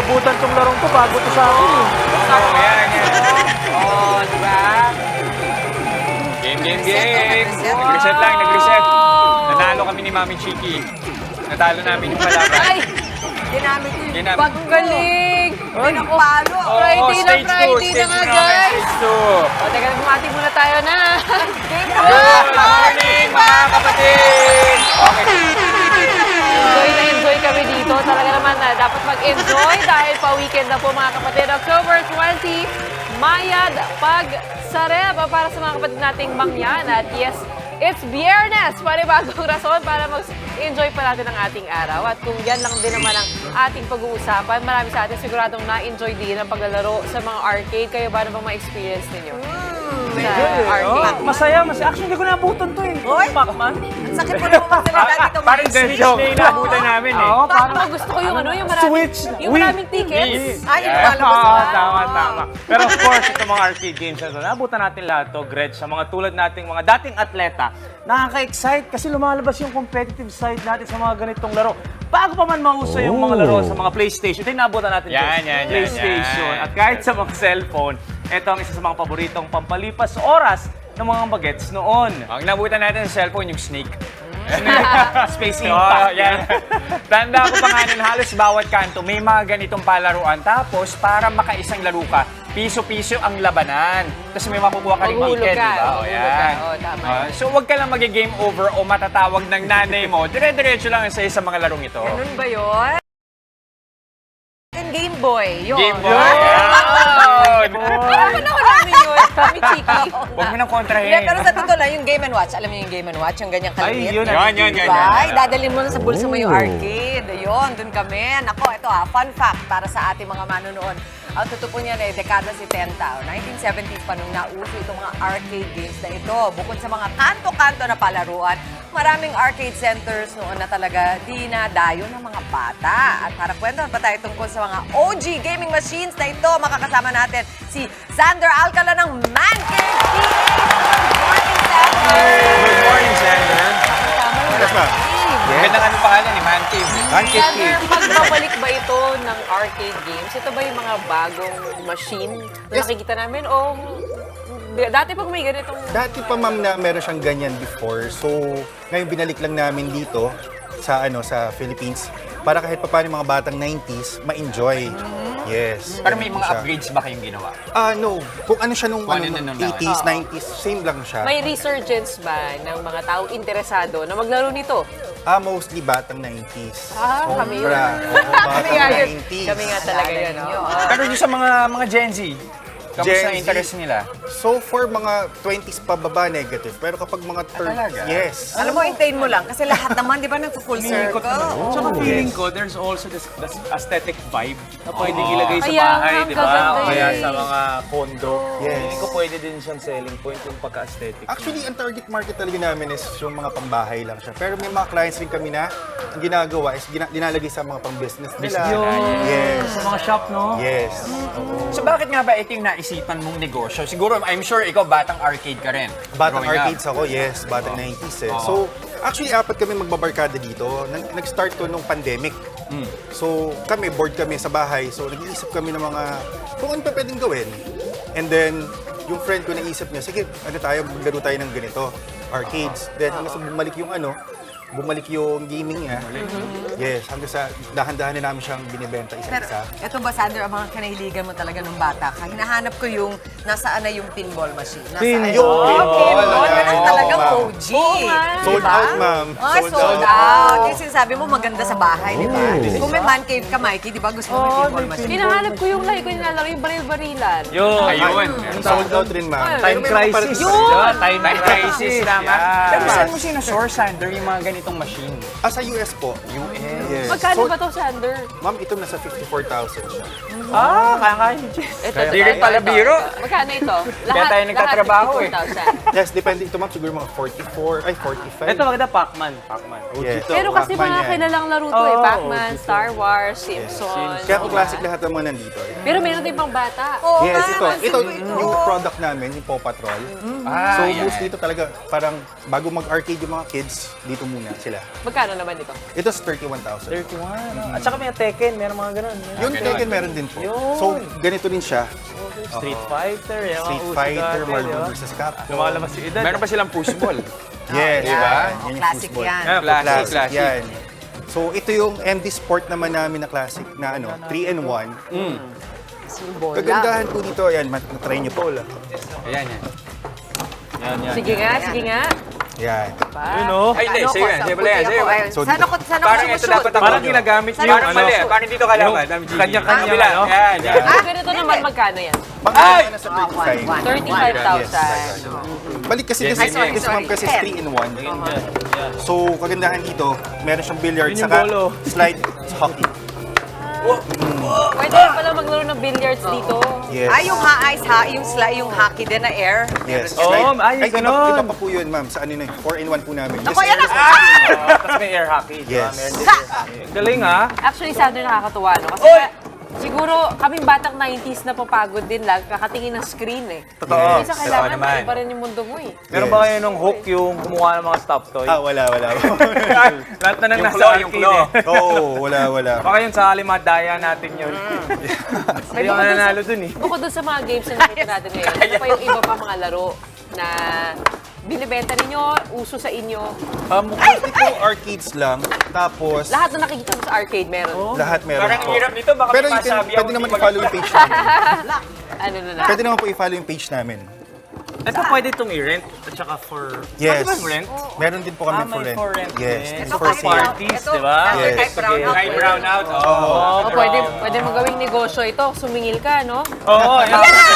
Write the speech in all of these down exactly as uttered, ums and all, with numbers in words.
naabutan tong larong to bago to sa akin eh. Oo, yan, yan. Oo, di ba? Game, game, game. Nag-reset lang, nag-reset. Nanalo kami ni Mami Chiki. Natalo namin yung kalaban. Ay! Ginamit yung Ginamit. paggaling! Ay, Pinakpalo! Oo, Friday na stage two, Friday na stage nga, two namin, guys! stage two. O, teka, bumati muna tayo na. Game na Good morning, mga kapatid! Okay. Enjoy na enjoy kami dito. Talaga naman na dapat mag-enjoy dahil pa-weekend na po mga kapatid. October twentieth, Mayad Pagsareb para sa mga kapatid nating Mangyan. At yes, it's Biyernes! Panibagong rason para mag-enjoy pa natin ang ating araw. At kung yan lang din naman ang ating pag-uusapan, marami sa atin siguradong na-enjoy din ang paglalaro sa mga arcade. Kayo ba na bang ma-experience ninyo? Sa arcade. Oh, masaya, masaya. Actually, hindi ko naabutan to eh. Hoy! Pac-Man. Ang sakit mo naman magsalita dito. Parang dead joke na inabutan namin eh. Oo, Parang parang gusto ko yung ano, yung maraming, Switch. yung Wii. maraming tickets. Wii. Ay, yung Yeah. lumalabas Oo, na. tama, tama. Pero of course, itong mga arcade games na ito, naabutan natin lahat to, Gretch, sa mga tulad nating mga dating atleta. Nakaka-excite kasi lumalabas yung competitive side natin sa mga ganitong laro. Bago pa man mauso yung mga laro sa mga PlayStation, ito yung naabutan natin. Yan, Gretch. yan, yan, PlayStation. yan. At kahit sa mga cellphone, ito ang isa sa mga paboritong pampalipas oras ng mga bagets noon. Ang nabutan natin sa cellphone, yung snake. Space Oo, Impact. yan. Tanda ko pa nga nun, halos bawat kanto may mga ganitong palaruan. Tapos, para makaisang laro ka, piso-piso ang labanan. Tapos may makukuha ka rin Maghulog ticket, ka, di ba? O, maghulog yan. ka. Oo, tama. Ah, so, huwag ka lang mag-game over o matatawag ng nanay mo. Dire-diretso lang sa isang mga larong ito. Ganun ba yun? Game Boy. Yun. Game Boy. Ay, Yun. Ano ko namin yun? Kami chiki. Huwag mo nang kontrahin. Hindi, pero sa totoo lang, yung Game and Watch, alam mo yung Game and Watch, yung ganyang Ay, kalimit. yun. Yan, yan, yan. Diba? yan. Ay, dadalhin mo na sa bulsa mo yung arcade. Ayun, dun kami. Nako, ito ha, fun fact para sa ating mga manonood. Ang totoo niyan eh, dekada setenta o nineteen seventies pa nung nauso itong mga arcade games na ito. Bukod sa mga kanto-kanto na palaruan, maraming arcade centers noon na talaga dinadayo ng mga bata. At para kwentuhan pa tayo tungkol sa mga O G gaming machines na ito, makakasama natin si Xander Alcala ng Man Cave P A. Good morning, Xander! Good morning, Sander. Kasama mo Yes, ma'am. Magandang ano pangalan ni Man Cave. Man Cave Xander, Cave. pagbabalik ba ito ng arcade games? Ito ba yung mga bagong machine na Yes. nakikita namin? O dati pag may ganitong... Dati pa ma'am na meron siyang ganyan before. So, ngayon binalik lang namin dito sa ano sa Philippines para kahit pa paano yung mga batang nineties ma-enjoy. Yes. Pero may ganun mga siya. upgrades ba kayong ginawa? Ah, no. Kung ano siya nung Kung ano, ano nung na nung eighties, Oo. nineties, same lang siya. May resurgence ba ng mga taong interesado na maglaro nito? Ah, mostly batang nineties. Ah, kami yun. Sobra. Oo, Kami batang nga yun. nineties. Kami nga talaga yun. Naalala oh. niyo. Pero yung sa mga mga Gen Z, kamusta Gen ang Z? interest nila? So, for mga twenties pababa, negative. Pero kapag mga thirties, talaga? yes. Alam mo, hintayin mo lang. Kasi lahat naman, di ba, nag-full circle. Tsaka feeling ko, there's also this, this aesthetic vibe na pwedeng Oo. ilagay sa Kaya bahay, nga, di ba? kaganda O kaya eh. sa mga condo. Yes. Feeling ko pwede din siyang selling point yung pagka-aesthetic. Actually, ang target market talaga namin is yung mga pambahay lang siya. Pero may mga clients rin kami na ang ginagawa is gina- dinalagay sa mga pang-business nila. Yun. Yes. Sa mga shop, no? Yes. So bakit nga ba ito yung naisipan mong negosyo? Siguro, I'm sure ikaw batang arcade ka rin. Batang growing up. arcades ako, yes. Batang nineties eh. Oo. So, actually, apat kami magbabarkada dito. Nag- Nag-start to nung pandemic. Mm. So, kami, bored kami sa bahay. So, nag-iisip kami ng mga kung ano pa pwedeng gawin. And then, yung friend ko naisip niya, sige, ano tayo, maglaro tayo ng ganito, arcades. Then, hanggang sa bumalik yung ano, bumalik yung gaming niya. Yes, hanggang sa dahan-dahan na namin siyang binibenta Pero isa-isa. ito ba, Sandra, ang mga kanahiligan mo talaga nung bata ka? Hinahanap ko yung nasaan na yung pinball machine. Nasaan Pinball. yung Pinball. pinball? Yan ang Oo, talagang ma'am. O G. Oo nga. Sold Diba? out, ma'am. Ah, sold, out. Yung sinasabi mo, maganda sa bahay, di ba? Kung may man cave ka, Mikey, di ba gusto mo may pinball machine? Hinahanap ko yung lagi ko nilalaro, yung baril-barilan. Yun. Ayun. Sold out rin, ma'am. Time Pero may mga crisis. parang- Yun, time Time crisis, tama. Yan. Pero saan mo sinasource, Sander, yung mga ganitong machine? Ah, sa U S po. U S. Yes. Magkano So, ba to, Sander? Ma'am, ito nasa fifty-four thousand siya. Ah, kaya-kaya ni Jess. Ito, Di rin ito, pala ito, biro. ito. Magkano ito? Kaya tayo nagtatrabaho eh. fifty-four thousand. Yes, depende ito, ma'am. Siguro mga forty-four, ay forty-five. Ito maganda, Pac-Man. Pac-Man. O G Yes. to. Pero kasi Pac-Man mga yan. kilalang laro to eh. Oo, Pac-Man, dito. Star Wars, Simpsons. Kaya po diba? classic lahat ng mga nandito. eh. Pero meron din pang bata. Oo Yes, nga, ito. pansin Ito, ko ito. yung product namin, yung Paw Patrol. Ah, So, yan. mostly ito talaga, parang bago mag-arcade yung mga kids, dito muna. sila. Magkano naman ito? Ito is thirty-one thousand. thirty-one. no? At saka may Tekken, meron mga ganun. Yung ganun. Tekken meron din po. Yun. So, ganito din siya. Street Fighter, yung mga Street uso Fighter, dati, Marvel di ba? versus Capcom. Lumalabas si Edad. Meron pa silang push ball. Yes, Yan. diba? Oh, Yan yung classic football. yan. Yeah, Classic, Classic, classic. yan. So, ito yung M D Sport naman namin na classic na ano, three in one. Yung bola. Kagandahan po dito, ayan, mat- na-try nyo po. Ayan, yan. Yan, yan. Sige nga, sige nga. Yan. Yun o. Ay, hindi. Ano Sa'yo ko, yan. sa Sa'yo pala yan. puti Sa'yo. ako, ayun. So, Sana ko, sana ko Parang ito sumushoot. dapat ako. Parang ginagamit Sana yung Parang ano. mali. Parang dito kalaban. Dami Gigi. Kanya-kanya, Kabila. ano? Yan, yan. Ah, ganito naman, magkano yan? Pang Ay! na sa Ah, one, thirty-five. one. thirty-five thousand. Balik kasi Yes, kasi yes, yes. this one kasi is Ten. three in one. So, kagandahan dito, meron siyang billiard, Yun yung saka bolo. slide hockey. Pwede rin pala maglaro ng billiards dito. Yes. Ay, yung ha-ice, ha, yung, sli- yung hockey din na air. Yes. Oo, Slide. ay, iba, ganun. iba pa po yun, ma'am. Sa ano na, four in one po namin. Ako, Kasi yan meron ako. sa- Tapos may air hockey. di ba? Yes. Meron din air hockey. Galing ha. Actually, Sander, nakakatuwa, no? Kasi siguro, kaming batang nineties na papagod din lang, kakatingin ng screen eh. Totoo. Minsan kailangan, naman. iba rin yung mundo mo eh. Meron ba kayo nung hook yung kumuha ng mga stop toy? Ah, wala, wala. Lahat na nang Yung nasa claw, yung arcade claw. eh. Oo, wala, wala. Baka yun sa Alimadaya natin yun. Hindi ako nanalo dun eh. Bukod dun sa mga games na nakita natin ngayon, ano pa yung iba pa mga laro na binibenta ninyo, uso sa inyo? Um, mostly po arcades lang. Tapos, Lahat na nakikita mo sa arcade meron. lahat meron Parang po. hirap nito. Baka Pero may you can, masabi ako. pwede naman hindi i-follow yung page namin. Ano na na? Pwede naman po i-follow yung page namin. Ito pwede itong i-rent at saka for... Yes. Pwede bang rent? Meron din po kami Ah, may for rent. for rent Yes. din. It's Ito for kahit sale. parties, ito, di ba? After Yes. kahit brown out. Kahit brown out. Oo. Oh. O, pwede, pwede mo gawing negosyo ito, sumingil ka, no? Oo, yan.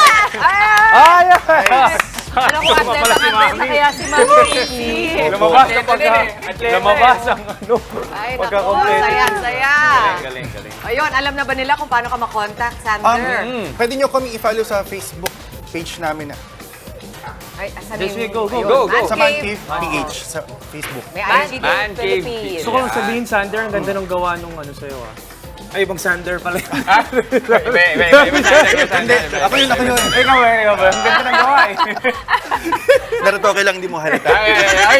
Ah! Ay! Alam ko, Tuma pala atleta, si atleta, Mami. kaya si Mami Kiki. Lumabas ang Atleta pagka... din eh. Atleta Lumabas ang ano. Ay, naku, Pagka-complete. saya, saya. Galing, galing, galing. Ayun, alam na ba nila kung paano ka makontakt, Um, Sander? Pwede nyo kami i-follow sa Facebook page namin na Ay, asan Yes, yung- we go, go, ayun, go, go. Man sa Cave. Man Cave P H sa Facebook. May Man I G Cave Man Cave. Philippines. Gusto ko lang sabihin, Sander, ang ganda ng gawa nung ano sa'yo ah. Ay, ibang Sander pala. Ah? Iba, iba, iba, iba, Sander, iba, Hindi, Sander, iba. ako yun, ako yun. Ikaw ba, ikaw ba? Ang ganda ng gawa eh. Naratoke lang, hindi mo halata. Ay, ay, ay.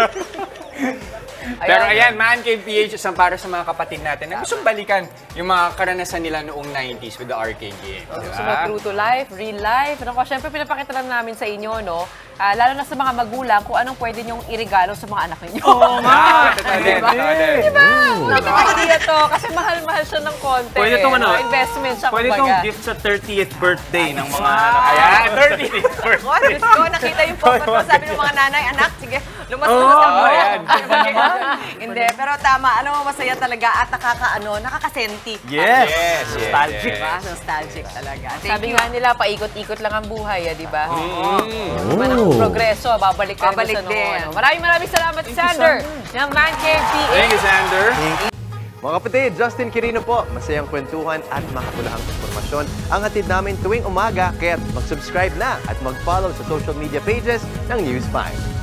Pero Ayan. ayan, Man Cave P H isang para sa mga kapatid natin na gustong balikan yung mga karanasan nila noong nineties with the arcade game. Gusto mo true to life, real life. Ano ko, syempre pinapakita lang namin sa inyo, no? Ah, lalo na sa mga magulang, kung anong pwede nyong irigalo sa mga anak ninyo. Oo nga. Totoo din, Diba? totoo din. Diba? Magandang idea to kasi mahal-mahal siya ng konti. Pwede itong ano, investment siya, Pwede kumbaga. itong gift sa thirtieth birthday ng mga anak. Ayan, thirtieth Oh, Diyos ko, nakita yung photo ko. Sabi ng mga nanay, anak, sige, lumas-lumas Oo, ka mo. ayan. Hindi, pero tama, ano, masaya talaga at nakaka-ano, nakakasenti. Yes. Yes, yes, Nostalgic. yes. Diba? Nostalgic talaga. Thank Sabi you. nga nila, paikot-ikot lang ang buhay, ah, di ba? Mm. Diba ng progreso, babalik ka rin Babalik sa noon. din. Ano. Maraming maraming salamat, Sander, ng Man Cave P H. Thank you, Sander. Mga kapatid, Justin Quirino po. Masayang kwentuhan at makapulahang informasyon ang hatid namin tuwing umaga. Kaya't mag-subscribe na at mag-follow sa social media pages ng News five.